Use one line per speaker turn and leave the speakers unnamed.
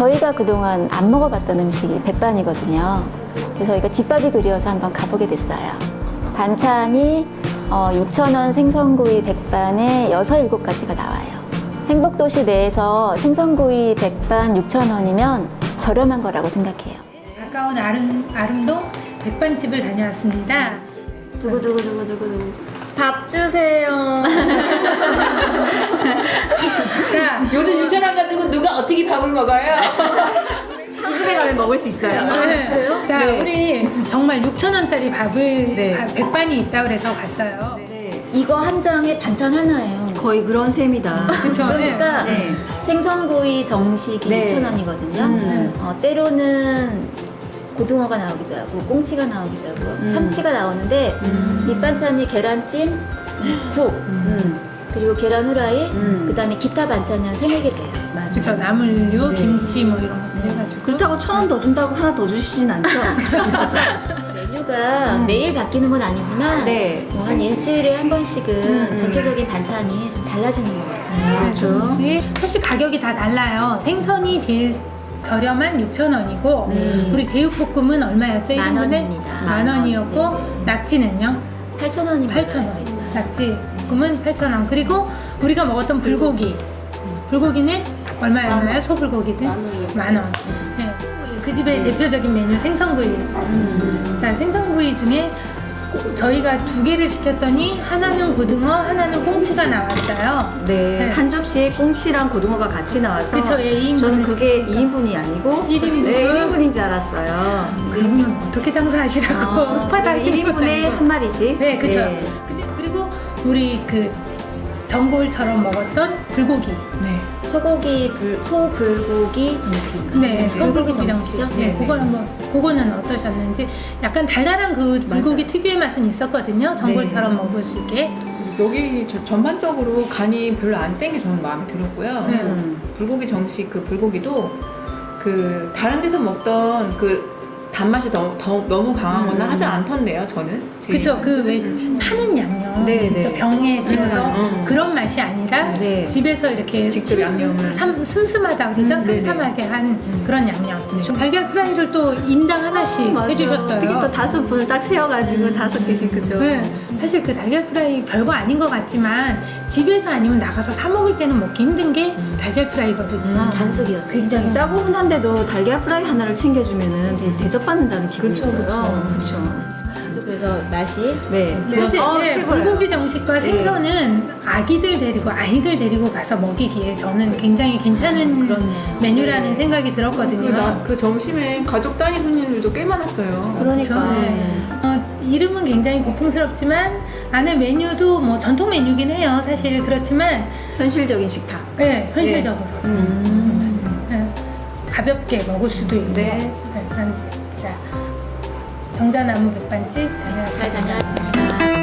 저희가 그동안 안 먹어봤던 음식이 백반이거든요. 그래서 저희가 집밥이 그리워서 한번 가보게 됐어요. 반찬이 6,000원 생선구이 백반에 6, 7가지가 나와요. 행복도시 내에서 생선구이 백반 6,000원이면 저렴한 거라고 생각해요.
가까운 아름동 백반집을 다녀왔습니다.
두구두구두구두구 밥 주세요.
자,
요즘 6,000원 가지고 누가 어떻게 밥을 먹어요?
이 집에 가면 먹을 수 있어요.
그래요? 자,
네.
우리 정말 6,000원짜리 밥을
네.
백반이 있다고 그래서 갔어요.
네.
이거 한 장에 반찬 하나예요.
거의 그런 셈이다.
그쵸?
그러니까
네.
생선구이 정식이
네.
6,000원이거든요. 때로는 고등어가 나오기도 하고 꽁치가 나오기도 하고 삼치가 나오는데 밑반찬이 계란찜, 국, 그리고 계란 후라이, 그다음에 기타 반찬이 한 3-4개 돼요.
맞아요.
그쵸, 나물류,
네.
김치 뭐 이런 거 해가지고.
그렇다고 1,000원 더 준다고 하나 더 주시진 않죠?
메뉴가 매일 바뀌는 건 아니지만
네.
뭐 한 일주일에 한 번씩은 전체적인 반찬이 좀 달라지는 것 같아요.
네, 조금씩. 사실 가격이 다 달라요. 생선이 제일 저렴한 6,000원이고 우리 제육볶음은 얼마였죠?
10,000
1인분에?
원입니다.
10,000원이었고 낙지는요?
8,000원이면
$8,000원. 낙지 볶음은 8,000원. 그리고 우리가 먹었던 불고기. 불고기는 얼마였나요? 소불고기는? 10,000원. 네. 그 집의 대표적인 메뉴 생선구이. 자, 생선구이 중에 저희가 2개를 시켰더니 하나는 고등어, 하나는 꽁치가 나왔어요.
네.
네.
한 접시에 꽁치랑 고등어가 같이 나와서
그쵸, 예, 2인분을
저는 그게 2인분이 아니고
1인분.
네, 1인분인 줄 알았어요.
그러면 어떻게 장사하시라고 흑파다 하시는 것도
1인분에
아니고.
한 마리씩.
네, 그쵸. 근데 그리고 우리 그 전골처럼 먹었던 불고기.
네.
소불고기 정식인가요?
네, 소불고기
정식이죠?
정식. 네, 그거는 어떠셨는지. 약간 달달한 그 불고기 특유의 맛은 있었거든요. 전골처럼 먹을 수 있게.
여기 전반적으로 간이 별로 안 센 게 저는 마음에 들었고요.
네.
불고기 정식 그 불고기도 그 다른 데서 먹던 그 단맛이 너무 강하거나 하지 않던데요, 저는.
그쵸. 그 왜 파는 양념.
네,
그쵸?
네.
병에 집어서
음.
그런 맛이 아니라
네.
집에서 이렇게
직접 양념을.
슴슴하다 그러죠?
네네.
삼삼하게 한 그런 양념. 좀 달걀 프라이를 또 인당 하나씩
맞아.
해주셨어요.
특히 또 5분을 딱 세워가지고 5개씩 그죠?
네, 사실 그 달걀 프라이 별거 아닌 것 같지만 집에서 아니면 나가서 사 먹을 때는 먹기 힘든 게 달걀 프라이거든요.
반숙이었어요.
굉장히 싸고 흔한데도 달걀 프라이 하나를 챙겨주면은 되게 대접받는다는 기분이
그쵸,
들어요. 그쵸.
그래서 맛이
네.
사실 네,
최고예요.
불고기 정식과 생선은 아이들 데리고 가서 먹이기에 저는 굉장히 괜찮은
그렇네요.
메뉴라는 생각이 들었거든요.
그 점심에 가족 단위 손님들도 꽤 많았어요.
그러니까.
그쵸? 이름은 굉장히 고풍스럽지만 안에 메뉴도 뭐 전통 메뉴긴 해요. 사실 그렇지만
현실적인 식탁.
네, 현실적으로 네, 가볍게 먹을 수도 있고
네.
백반집. 자, 정자나무 백반집
잘
다녀왔습니다.
다녀왔습니다.